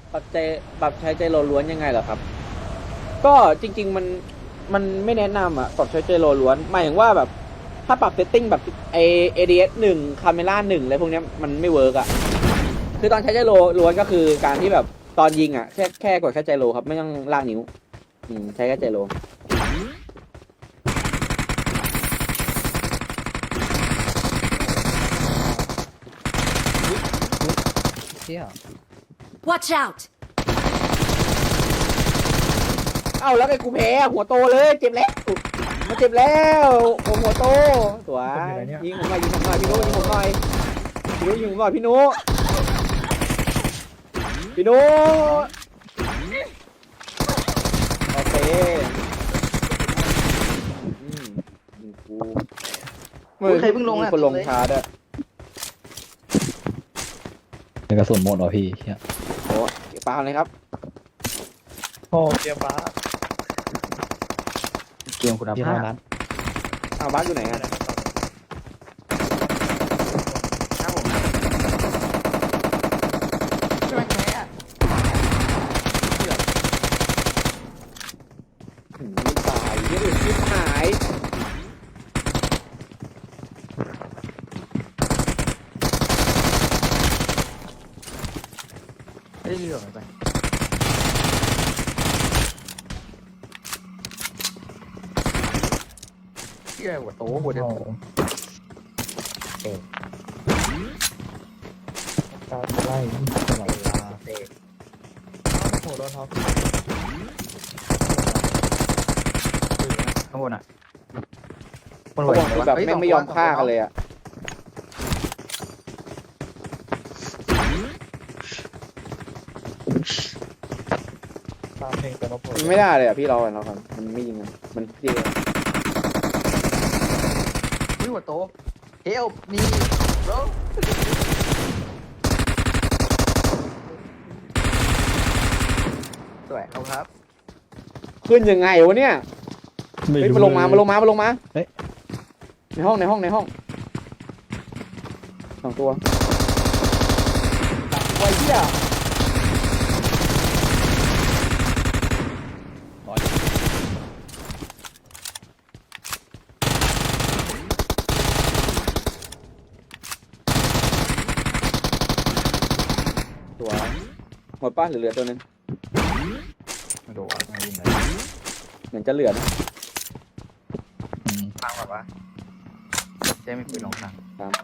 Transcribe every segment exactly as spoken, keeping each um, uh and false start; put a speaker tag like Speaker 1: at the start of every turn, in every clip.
Speaker 1: ปรับใจปรับใช้ใจโลล้วนยังไงเหรอครับก็จริงๆมันมันไม่แนะนำอ่ะปรับใช้ใจโลล้วนหมายถึงว่าแบบถ้าปรับเซตติ้งแบบไอเอดีเอสหนึ่งคาเมล่าหนึ่งอะไรพวกเนี้ยมันไม่เวิร์กอ่ะคือตอนใช้ใจโลล้วนก็คือการที่แบบตอนยิงอ่ะแค่แค่กดแค่ใจโลครับไม่ต้องลากนิ้วอืมใช้แค่ใจโล
Speaker 2: เที่ย
Speaker 3: Watch out!
Speaker 1: เอ้าแล้วไอ้กูแพ้หัวโตเลยเจ็บแล้วมาเจ็บแล้วผมหัวโตสวยยิงผมหน่อยยิงผมหน่อยพี่นุยิงผมหน่อยพี่นุยิงผมหน่อยพี่นุพี่นุโอเคอืมกู
Speaker 4: ใครเพิ่งลง
Speaker 1: มี
Speaker 4: อ่ะ
Speaker 1: คนลงช้าด้วย
Speaker 2: เป็นกระสุนหมดเหรอพี่เที่ย
Speaker 1: โอ้ปาเลยครับ
Speaker 4: โอ้เกียร์บ้าเกมคุณ
Speaker 2: พี่
Speaker 4: ภา
Speaker 2: เท่า
Speaker 4: พ
Speaker 2: นั้น
Speaker 1: อ้าวบ้านอยู่ไหนอ่ะ
Speaker 4: ครับผมช่วยแพ้อะ
Speaker 1: อืมไม่ตายยี่อื่นชิบหาย
Speaker 4: ไม่ได้เรื่องไปเที่ยหัวโตหัวเดียวเตะ
Speaker 2: ตาไล่ตลอดเวลา
Speaker 4: เตะ
Speaker 2: โหโดนท็อป
Speaker 4: ข้างบนอ่ะคน
Speaker 1: เขาบอกคือแบบแม่งไม่ยอมฆ่ากันเลยอ่ะ
Speaker 2: ตามเพลงแต่ละผล
Speaker 1: มันไม่ได้เลยอ่ะพี่เราอ่ะเราครับมันไม่ยิงอ่ะมันเจ๊
Speaker 4: อุ้ยหัวโตเฮลมีโรสวยเอาครับ
Speaker 1: ขึ้นยังไงวะเนี่ยเฮ้ยมาลงมามาลงมามาลงมาในห้องในห้องในห้องสองตัวไอ้เหี้ยตัวหมดป้าเหลือๆตัวนึง
Speaker 4: มาดูว่าไงยิงเลย
Speaker 1: เหมือนจะเหลือนะ
Speaker 4: ฟังแบบว่าเจ๊ไม่คุยลงทาง
Speaker 1: ตามก่อน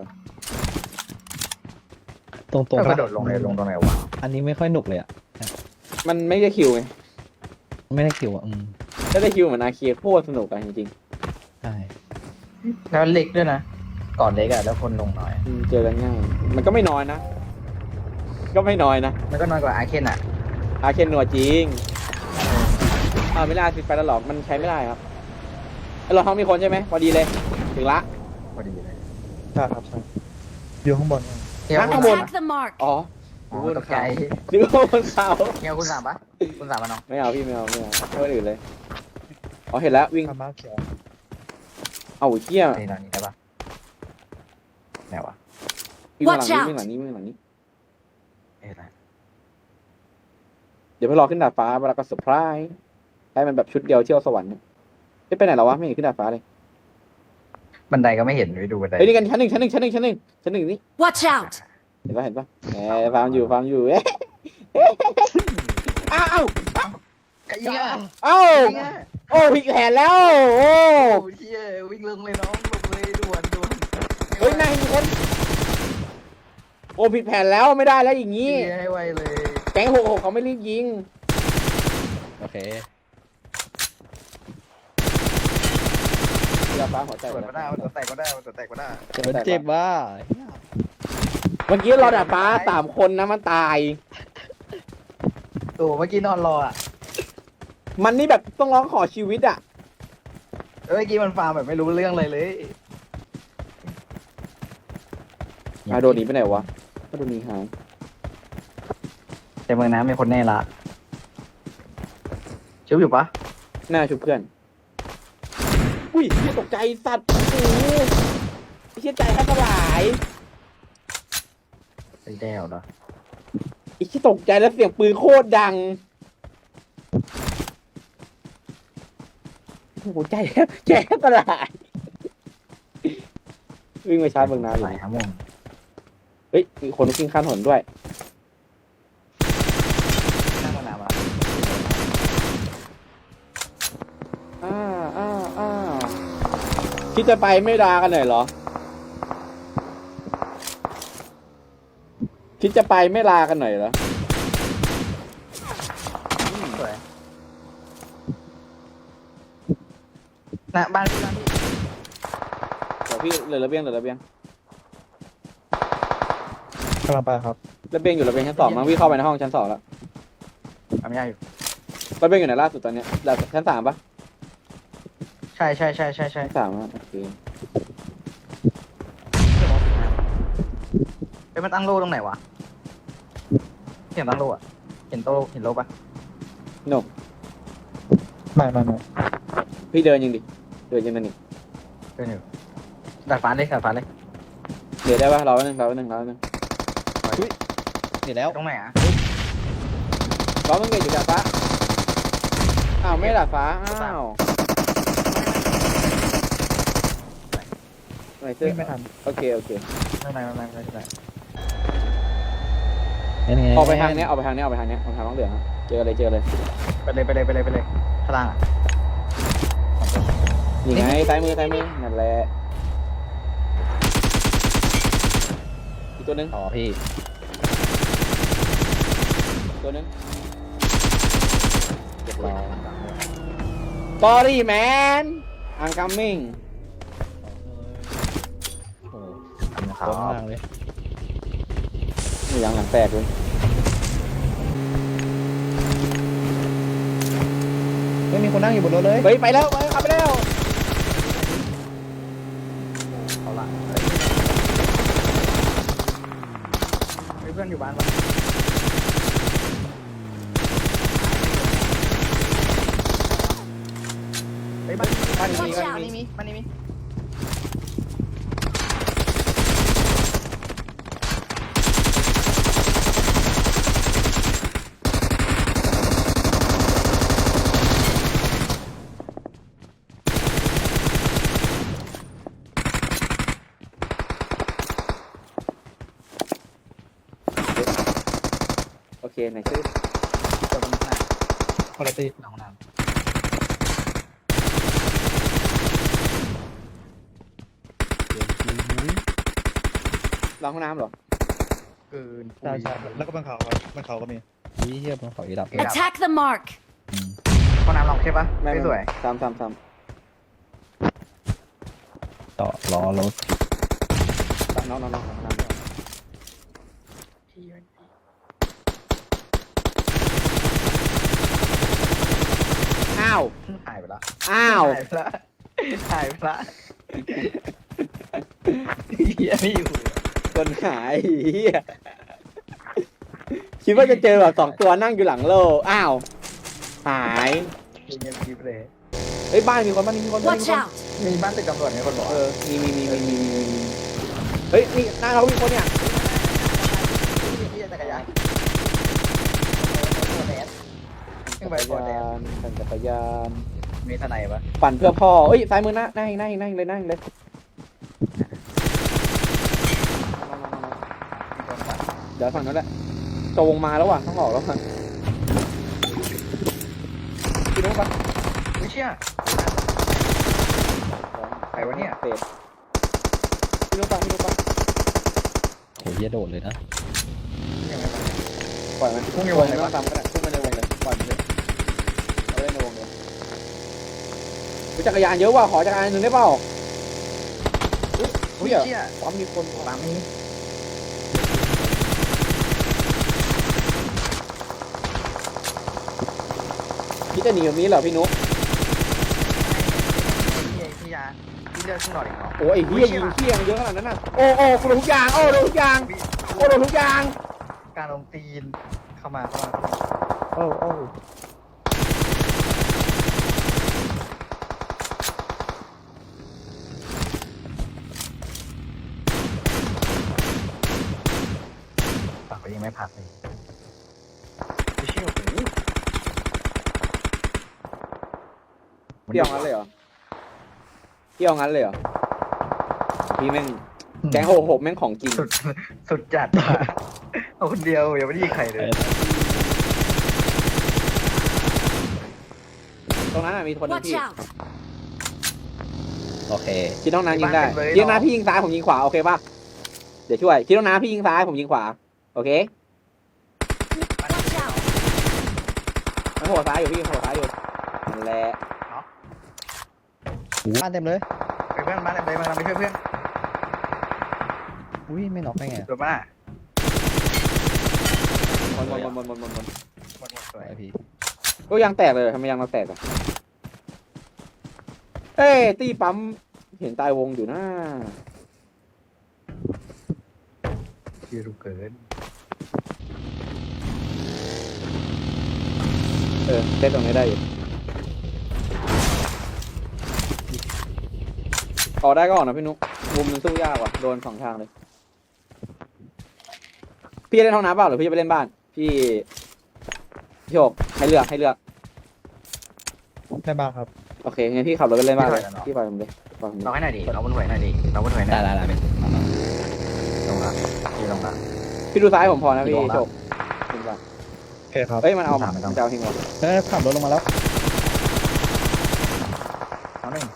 Speaker 2: ตรงตรง
Speaker 4: กระโดดลงเลยลงตรงไหนวะ
Speaker 2: อันนี้ไม่ค่อยหนุกเลยอ่ะ
Speaker 1: มันไม่ได้คิวไง
Speaker 2: ไม่ได้คิวอ่ะอืม
Speaker 1: ถ้าได้คิวเหมือนอาเคียโคตรสนุกอะจริง
Speaker 2: ใช่
Speaker 4: แล้วเล็กด้วยนะ ก่อนเล็กอะแล้วคนลงน้อย
Speaker 1: ๆอืมเจอกันง่ายมันก็ไม่น้อยนะ ก็ไม่น้อยนะ
Speaker 4: มันก็น้อยกว่าอาเคนอะ
Speaker 1: อาเคนนัวจริงอ้าวไม่ได้สิไปแล้วหรอกมันใช้ไม่ได้ครับไอ้รถท้องมีคนใช่ไหมพอดีเลยถึงละ
Speaker 4: พอดีเลย
Speaker 1: ใช่ครับใช่
Speaker 2: อยู่ข้างบน
Speaker 4: เฮีย
Speaker 1: ข้าง
Speaker 4: คุณ
Speaker 1: บน
Speaker 3: Attack the mark!
Speaker 1: อ๋อ
Speaker 4: อ๋อตกใจ
Speaker 1: นึกว่าบนเขา
Speaker 4: เฮียคุณสามปะคุณสามปะน้อง
Speaker 1: ไม่เอาพี่ไม่เอาไม่เอาไม่เอาอื่นเลยอ๋อเห็นแล้ววิ่ง
Speaker 2: มาเขียว
Speaker 1: เอาเหี้ย
Speaker 4: นี่ตอนนี้ได้ปะไหนวะ
Speaker 1: วิ่งมาหลัง
Speaker 3: Watch
Speaker 1: นี้
Speaker 3: out
Speaker 1: วิ่งหลังนี้วิ่งหลังนี้
Speaker 4: เอ้ยอะไร
Speaker 1: เดี๋ยวไปรอขึ้นดาดฟ้าแล้วก็เซอร์ไพรส์ให้มันแบบชุดเดียวเที่ยวสวรรค์ไม่ไปไหนหรอวะไม่เห็นขึ้นดาดฟ้าเลย
Speaker 4: บันไดก็ไม่เห็นไปดูบันได
Speaker 1: เฮ้ยนี่กันชั้นหนึ่งชั้นหนึ่งชั้นหนึ่งชั้นหนึ่งชั้นหนึ่งนี่
Speaker 3: Watch out!
Speaker 1: เห็นปะเห็นปะแหมฟาร์มอยู่ฟาร์มอยู่เอ๊ะเอ๊ะอ้าว
Speaker 4: ไอ้เหี้ย
Speaker 1: อ้าว
Speaker 4: ไอ้เหี้ย
Speaker 1: โอ้ผิดแผนแล้วโอ้
Speaker 4: โอ้เหี้ยวิ่งลงเลยน้องลงเลยด่วนด่วน
Speaker 1: เฮ้ยนายมีคนโอ้ผิดแผนแล้วไม่ได้แล้วอย่าง
Speaker 4: เหี้
Speaker 1: นี้
Speaker 4: ยให้ไวเลย
Speaker 1: แก๊งหกหกเขาไม่รีบยิง
Speaker 2: โอเค
Speaker 1: เรือฟ้าหัวใจ
Speaker 4: เปิดก็ได้มันจะแตกก็ได้มันจะแตกก็ได้
Speaker 2: มันเจ็บว่ะ
Speaker 1: เมื่อกี้เราดาดฟ้าสามคนนะมันตาย
Speaker 4: โอ้เมื่อกี้นอนรออ่ะ
Speaker 1: มันนี่แบบต้องร้องขอชีวิตอ่ะ
Speaker 4: เมื่อกี้มันฟาร์มแบบไม่รู้เรื่องอะไรเลย
Speaker 1: อาโดนหนีไปไหนวะก็โดนหนีหาย
Speaker 4: แต่เมืองน้ำมีคนแน่ละชิวอยู่ปะ
Speaker 1: หน้าชุบเพื่อน อุ้ยเหี้ยตกใจสัตว์ โอ้โหไอ้เชี่ยใจแทบสลาย
Speaker 4: ไอ้แด้วเหรอ
Speaker 1: ไอ้ที่ตกใจแล้วเสียงปืนโคตรดังโอ้โหใจแทบใจแทบสลายวิ่งไปชาร์จเบื้องน้ำอ
Speaker 4: ไหน
Speaker 1: ยู่
Speaker 4: ครับมึง
Speaker 1: เฮ้ยมีคนวิ่งข้ามถนนด้วย
Speaker 4: ข้างสนามอ่ะ
Speaker 1: อ้าอ้าอ้าคิดจะไปไม่ลากันหน่อยเหรอ คิดจะไปไม่ลากันหน่อยเหรอ
Speaker 4: สวยนะบ้านพี่บ้านพี่
Speaker 1: เดี๋ยวพี่เหลือระเบียงเหลือระเบียง
Speaker 2: กำลังไปครับ
Speaker 1: ระเบียงอยู่ระเบียงชั้นสองมั้งวิ่งเข้าไปในห้องชั้นสองแล้ว
Speaker 4: ทำยากอยู่
Speaker 1: ระเบียงอยู่ไหนล่าสุดตอนเนี้ยแล้วชั้นสามปะ
Speaker 4: ใช่ใช่ใช่ใช่ใช่
Speaker 1: ชั้นสามอะโอเค
Speaker 4: เฮ้ยมันตั้งโล่ตรงไหนวะเห็นตั้งโล่อะเห็นโตเห็นโล่ปะ
Speaker 1: โน
Speaker 2: ไม่ไม่ไม่
Speaker 1: พี่เดินยังดิเดินยังนั่นนี่
Speaker 4: เดินอยู่ดาดฟ้าเลยดาดฟ้าเลย
Speaker 1: เดี๋ยวได้ปะรอแป๊บนึงรอแป๊บนึงรอแป๊บนึง
Speaker 2: เดี๋ยวแล้ว
Speaker 4: ตรงไหนอ่ะ
Speaker 1: รอมึงเกตอยู่ดาดฟ้าอ้าวไม่ดาดฟ้าอ้าวไม่เสื้อ
Speaker 2: วิ่งไม่ทัน
Speaker 1: โอเคโอเค
Speaker 4: ไม่เป็นไรไม่เป็นไรไม่เป็นไร
Speaker 2: ยังไง
Speaker 1: ออกไปทางเนี้ยออกไปทางเนี้ยออกไปทางเนี้ยออกทางน้องเหลืองอะเจอเลยเจอเลย
Speaker 4: ไปเลยไปเลยไปเลยไปเลยพลังอ่ะ
Speaker 1: นี่ไงซ้ายมือซ้ายมือนั่นแหละอีกตัวหนึง
Speaker 2: ต่อพี่
Speaker 1: อีกตัวหนึง
Speaker 2: เรียบร้อย
Speaker 1: Sorry man I'm coming
Speaker 2: โอ้โห
Speaker 4: ครั
Speaker 2: โคตร
Speaker 4: บ
Speaker 2: มากเลย
Speaker 1: นี่ยังหลังแตกเลย
Speaker 2: ไม่มีคนนั่งอยู่บนรถเลย
Speaker 1: เฮ้ยไปแล้วไปขับไปแล้ว
Speaker 4: เอาละเฮ้ยเพื่อนอยู่บ้านปะเฮ้ยบ้านนี้บ้านนี้มีบ้านนี้มีบ้านนี้มี
Speaker 1: โอเคไหนชื่อ
Speaker 4: เดี๋ยวมันหน้า
Speaker 2: คนละตี
Speaker 4: หลังห้องน้
Speaker 1: รองห้องน้ำเหรอ
Speaker 4: ำเกิน
Speaker 2: ใช่ใช่แล้วก็บนเขาครับบนเขาก็มีนี่เทียบบนเขาอีดับ
Speaker 3: Attack the mark.
Speaker 4: ห้องน้ำลองใช่ปะ
Speaker 1: ไม่
Speaker 4: ไม่สวย
Speaker 1: ซ้ำซ้ำซ้
Speaker 2: ต่อล้อรถ
Speaker 1: ำน้องน้องน้องน้องน้ำอ้าว
Speaker 4: หายไปละ
Speaker 1: อ้าว
Speaker 4: หายไปละหายไปละเฮียไม่อยู่
Speaker 1: คนหายเหี้ยคิดว่าจะเจอแบบสองตัวนั่งอยู่หลังโลอ้าวหาย
Speaker 4: เงียบกริบเลย
Speaker 1: เฮ้ยบ้านมีคนบ้านมีคนบ้านมี
Speaker 3: Watch
Speaker 1: คน
Speaker 3: out.
Speaker 4: มีบ้านตึกตำรวจมีคนบอก
Speaker 1: เออมีมีมีมีมีมีมีเฮ้ยนี่หน้าเรามีคนเนี่ย
Speaker 4: ที่จักรยานขึ้นไป
Speaker 1: จัก
Speaker 4: บน
Speaker 1: ร
Speaker 4: แด
Speaker 1: ยาน นปั่นจักรยาน
Speaker 4: มีทนายปะ
Speaker 1: ปั่นเพื่อพ่อเอ้ยซ้ายมือหน้าหน้าเองหน้าเองหน้าเองเลยหน้าเองเลย
Speaker 4: มีคนปะ
Speaker 1: เดี๋ยวฝั่งนั้นแหละจะวงมาแล้วว่ะต้องออกแล้วค่ะพี่นุ๊กปะ
Speaker 4: ไม่เชื่อ ใครวะเนี่ย
Speaker 1: เตะพี่นุ๊กปะพี่นุ๊กปะ
Speaker 2: โหเหี้ยโดดเลยนะ
Speaker 4: ยังไงปะ
Speaker 1: ปล่อยมัน
Speaker 4: พุ่งใน
Speaker 1: ว
Speaker 4: ว
Speaker 1: ง
Speaker 4: ง
Speaker 1: เล
Speaker 4: เลย ย
Speaker 1: ว่า
Speaker 4: ปะ
Speaker 1: ตามก็ได้พุ่งไปในวงเลยปล่อยมันเลยเอาเล่นในวงเลยอุ๊ยจักรยานเยอะว่ะขอจักรยานหนึ่งได้เปล่าอุ้ย
Speaker 4: อุ้
Speaker 1: เฮ้
Speaker 4: ย
Speaker 1: ย
Speaker 4: เชี่ย
Speaker 1: ปั๊มมีคน
Speaker 4: ตามนี้
Speaker 1: พี่จะหนีแบบนี้เหรอพี่นุ๊ก
Speaker 4: พี่พี่ยาพี่เลือกขึ้นหน่อยเหรอ
Speaker 1: โอ้ยไอ้เหี้ยยิงเที่ยงเยอะขนาดนั้นน่ะโอ้โอ้กูโดนทุกอย่างโอ้โดนทุกอย่างโอ้โดนทุกอย่าง
Speaker 4: การลงตีนเข้ามาเข้ามา
Speaker 1: โอ้โอ้
Speaker 4: ปากก็ยังไม่พักเลย
Speaker 1: พี่เอางั้นเลยเหรอพี่เอางั้นเลยเหรอพี่แม่งแก๊งหกหกแม่งของจริง
Speaker 4: สุดสุดจัดอะเอาคนเดียวยังไม่ได้ยิงใครเลย
Speaker 1: ตรงนั้นน่ะมีคนหนึง
Speaker 3: Watch
Speaker 1: พี่
Speaker 3: out!
Speaker 2: โอเค
Speaker 1: คิดน้องน้ำยิงได้คิดน้องน้ำพี่ยิงซ้ายผมยิงขวาโอเคป่ะเดี๋ยวช่วยคิดน้องน้ำพี่ยิงซ้ายผมยิงขวาโอเค
Speaker 3: Watch out!
Speaker 1: มันโหดซ้ายอยู่พี่โหดซ้ายอยู่นั่นแหละ
Speaker 2: หูบ้านเต็มเลย
Speaker 4: ไปเพื่อนมาเลยมาไปช่วยเพื่อน
Speaker 2: อุ้ยไม่น็อกได้ไง
Speaker 4: โดนมา
Speaker 1: หมดหมดหมดหมดหมดหมด
Speaker 4: หมดหมดสวย
Speaker 2: ไอพี่
Speaker 1: ก็ยังแตกเลยทำไมยังมาแตกอ่ะเอ้ยตีปั๊มเห็นตายวงอยู่นะ
Speaker 4: ยืดเกิน
Speaker 1: เออเซตตรงนี้ได้อยู่ออกได้ก็ออกนะพี่นุ๊กมุมมันสู้ยากว่ะโดนสองทางเลยพี่เล่นห้องน้ำเปล่าหรือพี่จะไปเล่นบ้าน พี่พี่โชคให้เลือกให้เลือก
Speaker 2: ได้บ้างครับ
Speaker 1: โอเคงั้นพี่ขับรถไปเล่นบ้านเลยพี่ปล่อยผมเลยปล่อยผมเล
Speaker 4: เรา
Speaker 1: ย
Speaker 4: ให้หน่อยดิเราบนหวยหน่อยดิเราบนหวยหน่
Speaker 2: ได้
Speaker 4: อย
Speaker 2: ได้ได้เป็น
Speaker 4: ลงละพี่ลงละ
Speaker 1: พี่ดูซ้ายผมพอนะพี่
Speaker 4: ลงละ
Speaker 1: โชคเล่นบ้าน
Speaker 2: โอเคครับ
Speaker 1: เอ้ยมันเอา
Speaker 4: ไม่ต้อง
Speaker 1: มันจะเอาทิ้งวะ
Speaker 2: เอ้ยขับรถลงมาแล้ว
Speaker 4: เอาหนึ่ง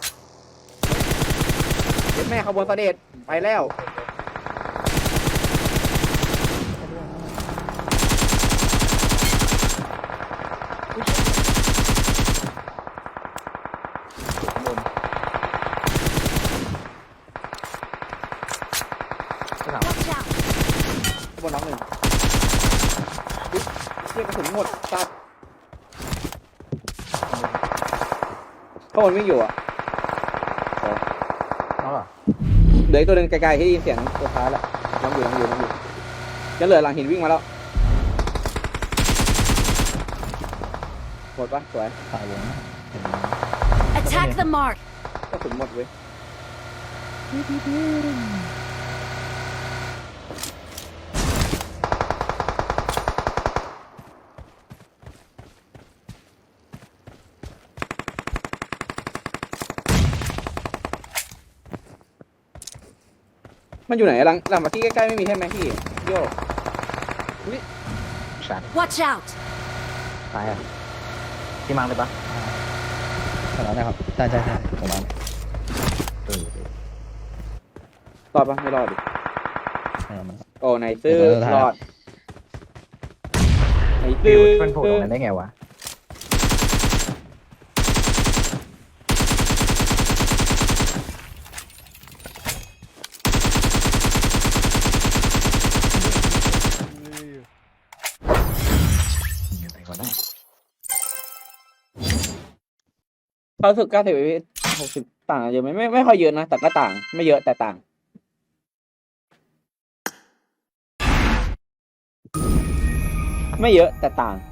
Speaker 1: เจ็ดแม่ขบวนเสด็จไปแล้ว
Speaker 4: ข้างหลัง
Speaker 3: Watch out!
Speaker 1: ขบวนน้องหนึ่งอุ๊ยเรียกกระสุนหมดตัดขบวนวิ่งอยู่อ่ะ
Speaker 4: น้องเหรอ
Speaker 1: เหลืออีกตัวหนึงไกลๆที่ได้ยินเสียงตัวท้ายแล้วน้องอยู่น้องอยู่น้องอยู่ยังเหลือหลังหินวิ่งมาแล้วหมดปะสวย
Speaker 2: ตายวง
Speaker 3: Attack the mark!
Speaker 1: กระสุนหมดเว้ยมันอยู่ไหนหลังหลังมาที่ใกล้ๆไม่มีใช่ไหมพี่โยก
Speaker 4: ชัด
Speaker 3: Watch out!
Speaker 4: ตายอ่ะที่มังเลยปะ
Speaker 2: ขนาดนะครับใช่ใช่ใช่ผมมา
Speaker 4: เออ
Speaker 1: รอดปะไม่รอดดิ
Speaker 2: ขนาดมัน
Speaker 1: โอ้ไหนซื้อ
Speaker 2: เดี๋ยวเราถ่าย
Speaker 1: รอดไหน
Speaker 4: ฟิ
Speaker 1: ซื้
Speaker 4: ว
Speaker 1: อ
Speaker 4: มันโผล่ตรงนั้นได้ไงวะยังไงก็ได้
Speaker 1: เขารู้สึกเก้าสิบหกสิบต่างกันเยอะไหมไม่ไม่ค่อยเยอะนะแต่ก็ต่างไม่เยอะแต่ต่าง ไม่เยอะแต่ต่าง